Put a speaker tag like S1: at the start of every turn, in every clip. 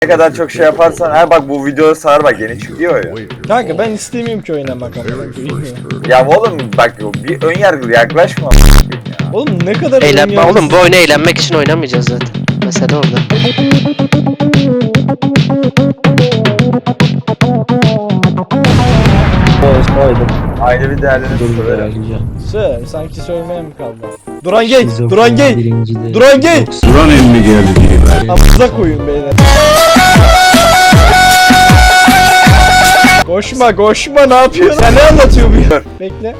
S1: Ne kadar çok şey yaparsan, ha bak bu videoda sarar bak yeni çıkıyor ya.
S2: Kanka ben istemiyorum ki oynamak ama.
S1: Ya oğlum bak bir ön yargılı yaklaşma.
S2: Oğlum ne kadar
S3: Eğlenme oğlum, bu oyunu eğlenmek için oynamayacağız zaten. Mesela orada.
S1: Aile bir değerlerini söylerim.
S2: Sır, sanki söylemeye mi kaldı? Duran gay! Duran gay! Duran gay!
S4: Duran emmi geldi diye.
S2: Amıza koyun beyler. Koşma koşma, ne yapıyorsun? Sen ne anlatıyor bu ya? Bekle.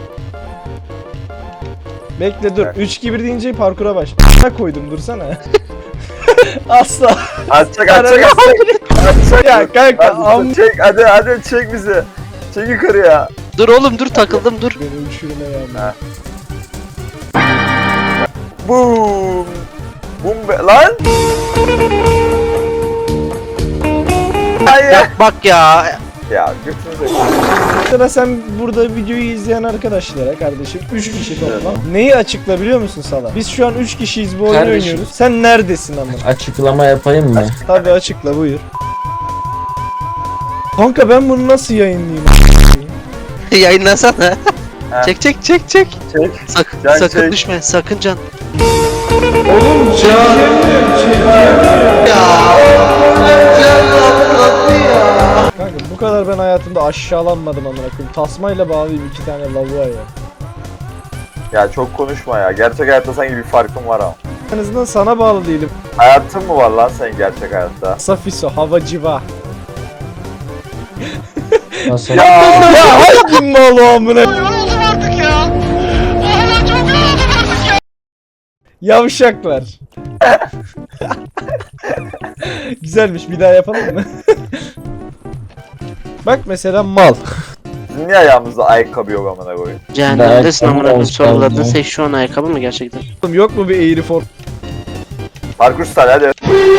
S2: Bekle dur. 3-2-1 deyince parkura baş. Ne koydum, dursana. Asla.
S1: Atacak.
S2: Ya kanka
S1: Çek hadi çek bizi. Çek yukarıya.
S3: Dur oğlum dur, takıldım dur.
S2: Beni uçurma yani.
S1: Ha. Boom. Boom be lan. Hayır.
S3: Bak ya.
S1: Ya götünüze.
S2: Mesela sen burada videoyu izleyen arkadaşlara kardeşim 3 kişi toplam. Neyi açıkla biliyor musun Sala? Biz şu an 3 kişiyiz, bu oyunu
S5: Kardeşim.
S2: oynuyoruz. Sen neredesin ama?
S5: Açıklama yapayım mı?
S2: Tabii açıkla, buyur. Kanka ben bunu nasıl yayınlayayım?
S3: Yayınlasana.
S1: Ha.
S3: Çek.
S1: Çek. Can
S3: Sakın
S1: çek.
S3: düşme, sakın can.
S2: Oğlum Kanka bu kadar ben hayatımda aşağılanmadım amına koyayım. Tasmayla bağlayayım 2 tane lavuğa ya.
S1: Ya çok konuşma ya. Gerçek hayatta sanki bir farkın var ama.
S2: En azından sana bağlı değilim.
S1: Hayatın mı var lan senin gerçek hayatta?
S2: Safiso, havacıva.
S5: Nasıl?
S2: Ya hangi mal o amına? Yavşaklar. Güzelmiş, bir daha yapalım mı? Bak mesela mal.
S1: Bizim niye ayağımızda ayakkabı yok amına koyayım?
S3: Cehennemdesin amına koyayım.
S5: olsun
S3: Soruladın
S5: ya.
S3: sen şu an ayakkabı mı gerçekten?
S2: Oğlum yok mu bir eğri form?
S1: Parkur star hadi.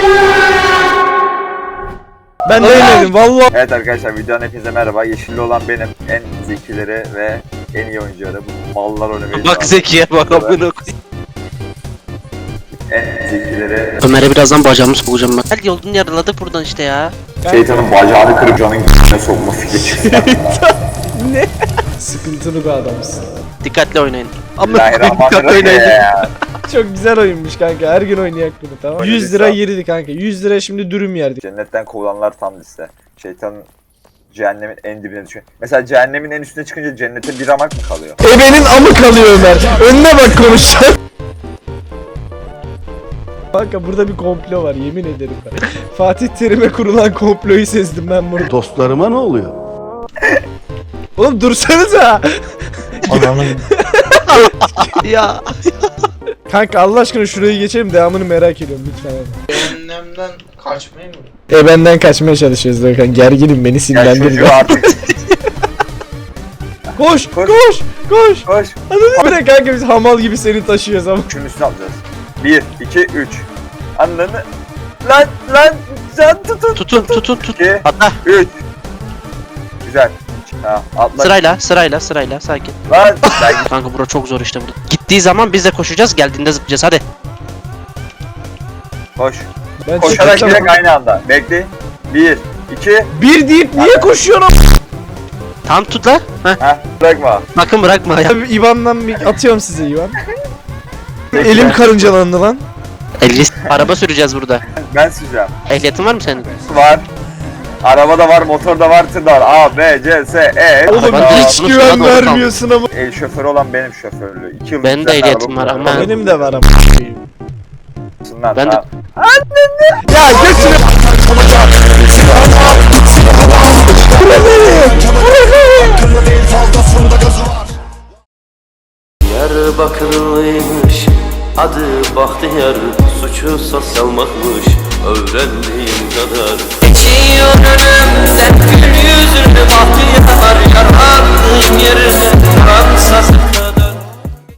S2: Ben de yemedim vallahi.
S1: Evet arkadaşlar videonun hepinize merhaba. Yeşilli olan benim. En zekileri ve en iyi oyuncuları. Bu mallar oynamayı.
S3: Bak Zeki'ye bak amına koyayım.
S1: En zekileri.
S3: Ömer'e birazdan bacağımı sokacağım ben. Gel yolunu yarıladık buradan işte ya.
S1: Şeytanın bacağını kırıp canın g***ne sokma fikri çıktı.
S2: Ne? Sıkıntılı bir adamsın.
S3: Dikkatli oynayın. Amına koyayım, dikkatli
S1: Bismillahirrahmanirrahim.
S3: oynayın.
S2: Çok güzel oyunmuş kanka. Her gün oynayak bunu, tamam.
S1: Öyle
S2: 100
S1: bir
S2: lira
S1: sağ-
S2: yeridi kanka. 100 lira şimdi dürüm yerdik.
S1: Cennetten kovulanlar tam liste. Şeytanın cehennemin en dibine düşüyor. Mesela cehennemin en üstüne çıkınca cennete bir ramak mı kalıyor?
S2: Ebenin amı kalıyor Ömer. Önüne bak konuşacağım. Kanka burada bir komplo var, yemin ederim ben. Fatih Terim'e kurulan komployu sezdim ben bunu.
S4: Dostlarıma ne oluyor?
S2: Oğlum dursanıza.
S5: Ananın
S3: Ya.
S2: Kanka Allah aşkına şurayı geçelim, devamını merak ediyorum lütfen.
S6: Cehennemden kaçmayı mı?
S2: Benden kaçmaya çalışıyoruz Hakan. Gerginim, beni
S1: Ya
S2: sinirlendirdi.
S1: çocuğu artık
S2: Koş,
S1: Koş.
S2: koş, koş.
S1: koş.
S2: Anladın mı kanka, biz hamal gibi seni taşıyoruz ama.
S1: Şunun üstüne atacağız. 1, 2, 3. Anladın. Lan can tutun.
S3: Tutun.
S1: 2,
S3: Atla.
S1: 3. Güzel. Ha, atla.
S3: Sırayla sakin.
S1: Lan ben
S3: Kanka bura çok zor işte burada. Gittiği zaman biz de koşacağız, geldiğinde zıplayacağız hadi.
S1: koş.
S2: Ben
S1: Koşarak
S2: çıkacağım.
S1: direkt aynı anda. Bekle. 1, 2.
S2: Bir deyip niye koşuyorsun?
S3: Tam tut la. Heh.
S1: Ha, bırakma.
S3: Bakın bırakma ya.
S2: Abi İvan'dan bir atıyorum size İvan.
S1: Bekle.
S2: Elim karıncalandı lan.
S3: 50 araba süreceğiz burada.
S1: Ben süreceğim.
S3: Ehliyetin var mı senin?
S1: Var. Arabada var, motorda var, tırda var. A, B, C, S, E.
S2: Oğlum
S3: Arabanın
S2: hiç
S3: sınıf
S2: güven
S3: sınıfa doğru
S2: vermiyorsun ama.
S1: El şoförü olan benim şoförlüğü. 2 yıl
S3: Benim de ehliyetim var ama-
S2: Benim de var ama.
S3: Ben de-
S2: Ya götürün.
S7: Diyarbakırlıymış, adı Bahtiyar, suçu salmakmış, öğrendiğim kadar. Geçiyor önümden gül yüzlü Bahtiyar, yarattığım yerine Fransız